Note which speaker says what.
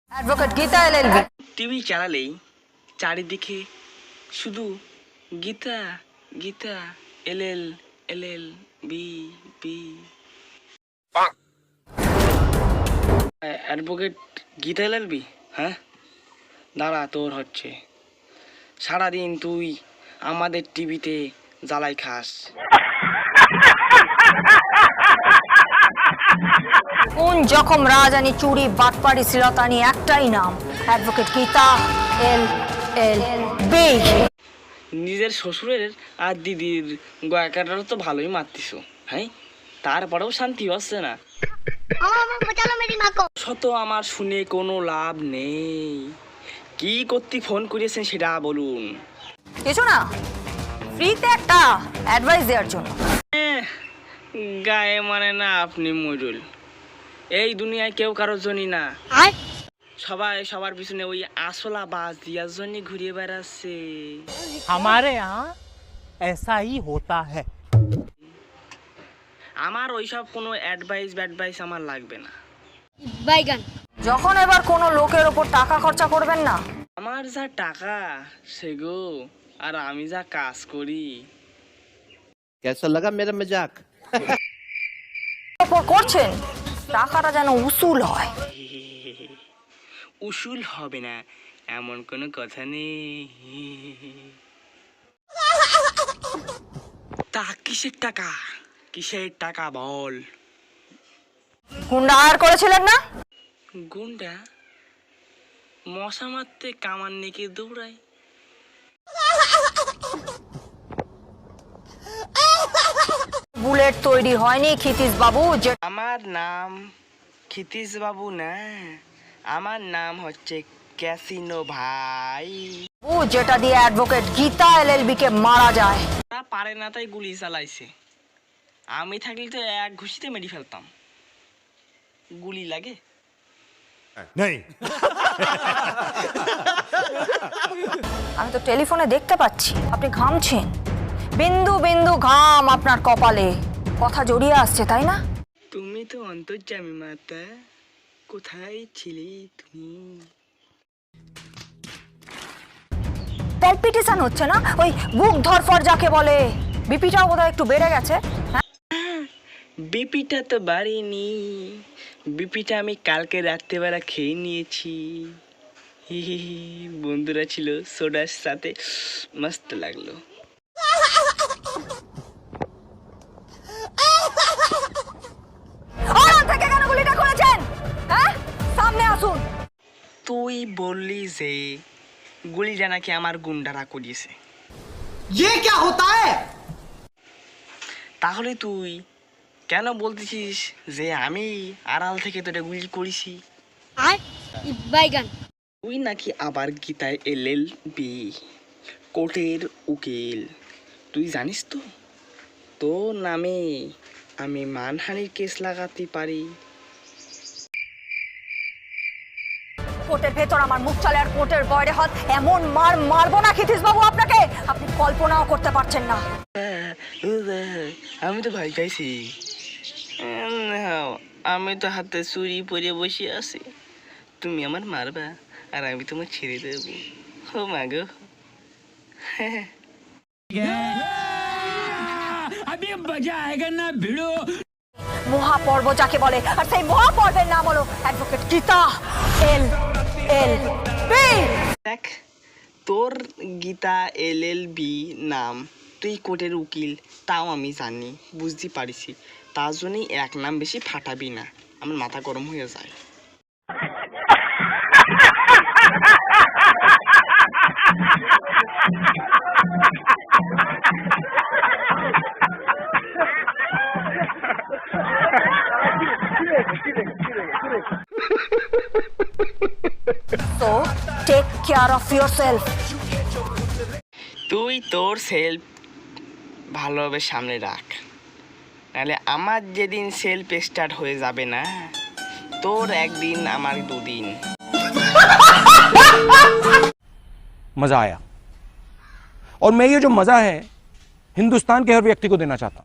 Speaker 1: Advocate Gita LLB.
Speaker 2: TV চালালেই চারিদিকে শুধু Gita Gita LL LL B B. Advocate Gita LLB, হ্যাঁ দাঁড়া, তোর হচ্ছে। সারাদিন তুই আমাদের টিভিতে জ্বালাই খাস।
Speaker 1: কোন জখম রাজানি চুরি বাটপাড়ি শ্লীলতানি, একটাই নাম, অ্যাডভোকেট গীতা এলএলবি।
Speaker 2: নিজের শ্বশুরের আর দিদির গয়াকাটারও তো ভালোই মারতিস, হ্যাঁ, তারপরেও শান্তি হচ্ছে না। শত আমার শুনে কোনো লাভ নেই। কি করতে ফোন করেছেন সেটা বলুন।
Speaker 1: কিছু না, ফ্রিতে একটা অ্যাডভাইস দেওয়ার জন্য।
Speaker 2: গায়ে মানে না আপনি মরুল। এই দুনিয়ায় কেউ কারোর জন্যই না, সবাই সবার পিছনে ওই আসলা বাস দিয়ার জন্য ঘুরিয়ে বেড়াচ্ছে।
Speaker 3: हमारे यहाँ ऐसा ही होता है।
Speaker 2: আমার ওইসব কোনো অ্যাডভাইস আমার লাগবে না।
Speaker 1: যখন এবার কোনো লোকের ওপর টাকা খরচা করবেন না,
Speaker 2: আমার যা টাকা সেগো, আর আমি যা কাজ করি।
Speaker 4: कैसा लगा मेरा मजाक?
Speaker 1: ওপর করছেন, টাকাটা যেন উসুল হয়।
Speaker 2: উসুল হবে না এমন কোনো কথা নেই। তা কিসের টাকা, কিসের টাকা বল।
Speaker 1: গুন্ডা হায়ার করেছিলেন না?
Speaker 2: গুন্ডা মশা মারতে কামান নেকে দৌড়ায়।
Speaker 1: বুলেট তৈরি হয়নি ক্ষিতিশ বাবু, যে
Speaker 2: আমার নাম ক্ষিতিশ বাবু না, আমার নাম হচ্ছে ক্যাসিনো ভাই।
Speaker 1: যেটা দিয়ে অ্যাডভোকেট গীতা এলএলবি কে মারা যায়।
Speaker 2: তা পারে না তাই গুলি চালাইছে। আমি থাকলে তো এক ঘুষিতে মেরে ফেলতাম। গুলি লাগে?
Speaker 1: আমি তো টেলিফোনে দেখতে পাচ্ছি আপনি ঘামছেন, বিন্দু বিন্দু ঘাম আপনার কপালে, কথা জড়িয়ে আসছে, তাই না?
Speaker 2: তুমি তো অন্তর্যামী মাতা, কোথায় ছিলি তুমি?
Speaker 1: প্যালপিটেশন হচ্ছে না, ওই বুক ধরফর যাকে বলে? বিপিটাও বোধহয় একটু বেড়ে গেছে।
Speaker 2: বিপিটা তো বাড়িনি, বিপিটা আমি কালকে রাত্রেবেলা খেয়ে নিয়েছি। বন্ধুরা ছিল সোডার সাথে, মস্ত লাগলো।
Speaker 1: থেকে কেন গুলিটা করেছেন? হ্যাঁ, সামনে আসুন।
Speaker 2: তুই বললি যে গুলিটা নাকি আমার গুন্ডারা করিয়েছে।
Speaker 3: ये क्या होता है?
Speaker 2: তাহলে তুই কেন বলতেছিস যে আমি আড়াল থেকে তোটা গুলি করেছি? তুই নাকি আবার গীতায় এলএলবি, কোর্টের উকিল। তুই জানিস তো তোর নামে আমি মানহানির কেস লাগাতে পারি।
Speaker 1: কোর্টের ভেতর আমার মুখ চলে আর কোর্টের বাইরে হাত, এমন মার মারবো না ক্ষিতিশ বাবু আপনাকে, আপনি কল্পনাও করতে পারছেন না।
Speaker 2: আমি তো ভয় পাইছি। আমি তো হাতে চুরি পরে বসে আছি, তুমি আমার মারবা আর আমি তোমার ছেড়ে দেবো। ও মা গো।
Speaker 3: अभी मजा आएगा ना भिड़ो।
Speaker 1: মহাপর্ব যাকে বলে, আর সেই মহাপর্বের নাম হলো অ্যাডভোকেট গীতা এলএলবি।
Speaker 2: দেখ, তোর গীতা এলএলবি নাম, তুই কোর্টের উকিল, তাও আমি জানি, বুঝতে পারিছি। তার জন্যই এক নাম বেশি ফাটাবি না, আমার মাথা গরম হয়ে যায়।
Speaker 1: So take care of yourself.
Speaker 2: তুই তোর সেলফ ভালোভাবে সামনে রাখ, নাহলে আমার যেদিন সেলফ স্টার্ট হয়ে যাবে না, তোর একদিন আমার দুদিন।
Speaker 5: मजा आया और मैं ये जो मजा है हिंदुस्तान के हर व्यक्ति को देना चाहता हूं।